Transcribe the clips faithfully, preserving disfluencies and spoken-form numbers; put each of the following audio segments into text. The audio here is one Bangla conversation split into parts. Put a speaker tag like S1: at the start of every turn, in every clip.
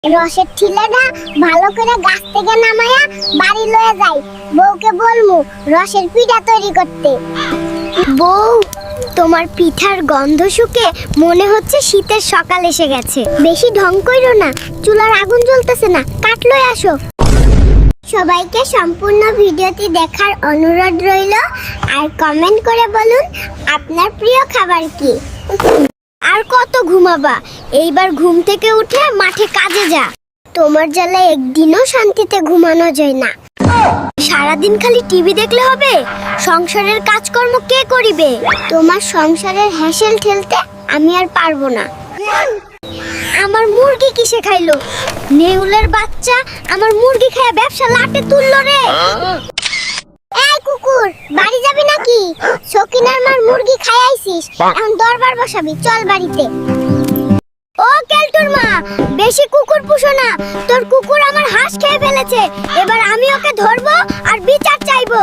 S1: রসের ঠিলাটা ভালো করে গাছ থেকে নামায়া বাড়ি লয়ে যাই। বউকে বলমু রসের পিঠা তৈরি করতে। বউ, তোমার পিঠার গন্ধ শুকে মনে হচ্ছে শীতের সকাল এসে গেছে। বেশি ঢং কইরো না, চুলার আগুন জ্বলতেছে না, কাঠ লয়ে আসো। সবাইকে সম্পূর্ণ ভিডিওটি দেখার অনুরোধ রইল, আর কমেন্ট করে বলুন আপনার প্রিয় খাবার কি। আর কত ঘুমাবা, এইবার ঘুম থেকে উঠে মাঠে কাজে যা। তোমার জ্বালায় একদিনও শান্তিতে ঘুমানো যায় না। সারাদিন খালি টিভি দেখলে হবে? সংসারের কাজকর্ম কে করিবে? তোমার সংসারের হ্যাসেল ঠেলতে আমি আর পারবো না। আমার মুরগি কিসে খাইলো? নেউলের বাচ্চা আমার মুরগি খায় ব্যবসা লাটে তুললো রে। এই কুকুর, বাড়ি যাবি নাকি? সকিনার মার মুরগি খাইয়াইছিস, এখন দরবার বসাবি, চল বাড়িতে। ও কেলটুর মা, বেশি কুকুর পুষো না, তোর কুকুর আমার হাঁস খেয়ে ফেলেছে। এবার আমি ওকে ধরবো আর বিচার চাইবো।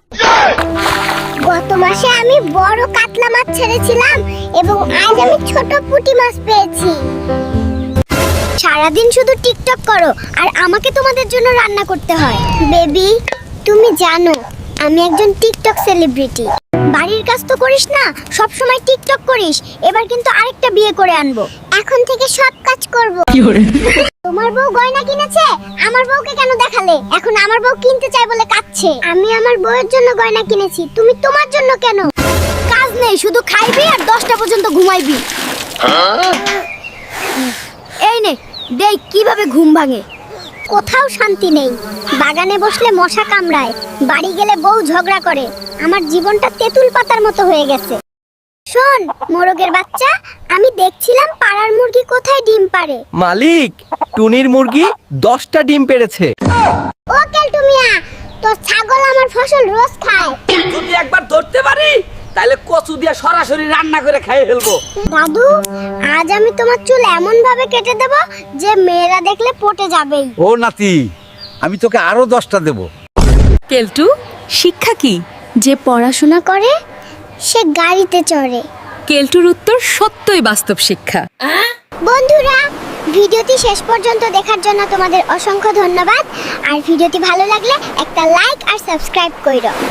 S1: গত মাসে আমি বড় কাতলা মাছ ছেড়েছিলাম এবং আজ আমি ছোট পুঁটি মাছ পেয়েছি। সারাদিন শুধু টিকটক করো আর আমাকে তোমাদের জন্য রান্না করতে হয়। বেবি, তুমি জানো আমি একজন টিকটক সেলিব্রিটি। বাড়ির কাজ তো করিস না, সব সময় টিকটক করিস। এবার কিন্তু আরেকটা বিয়ে করে আনবো। এখন থেকে সব কাজ করব। তোমার বউ গয়না কিনেছে, আমার বউকে কেন দেখালে? এখন আমার বউ কিনতে চাই বলে কাঁদছে। আমি আমার বউয়ের জন্য গয়না কিনেছি, তুমি তোমার জন্য কেন? কাজ নেই, শুধু খাইবি আর দশটা পর্যন্ত ঘুমাইবি। এই নে দেখ কিভাবে ঘুম ভাঙে। কোথাও শান্তি নেই, বাগানে বসলে মশা কামড়ায়, বাড়ি গেলে বউ ঝগড়া করে। আমার জীবনটা তেঁতুল পাতার মতো হয়ে গেছে। শোন মোরগের বাচ্চা, আমি দেখছিলাম পাড়ার মুরগি কোথায় ডিম পাড়ে।
S2: মালিক, টুনির মুরগি দশটা ডিম পেড়েছে।
S1: ও কেলটু মিয়া, তোর ছাগল আমার ফসল রোজ খায়।
S2: যদি একবার ধরতে পারি তাহলে কচু দিয়ে সরাসরি রান্না করে খেয়ে ফেলবো।
S1: দাদু, আজ আমি তোমার চুল এমন ভাবে কেটে দেব যে মেয়েরা দেখলে পটে যাবেই।
S3: ও নাতি, আমি তোকে আরো দশটা দেব।
S4: কেলটু, শিক্ষা কি?
S1: যে পড়াশোনা করে সে গাড়িতে চড়ে।
S4: কেলটুর উত্তর সত্যই বাস্তব শিক্ষা।
S1: বন্ধুরা, ভিডিওটি শেষ পর্যন্ত দেখার জন্য তোমাদের অসংখ্য ধন্যবাদ। আর ভিডিওটি ভালো লাগলে একটা লাইক আর সাবস্ক্রাইব কইরো।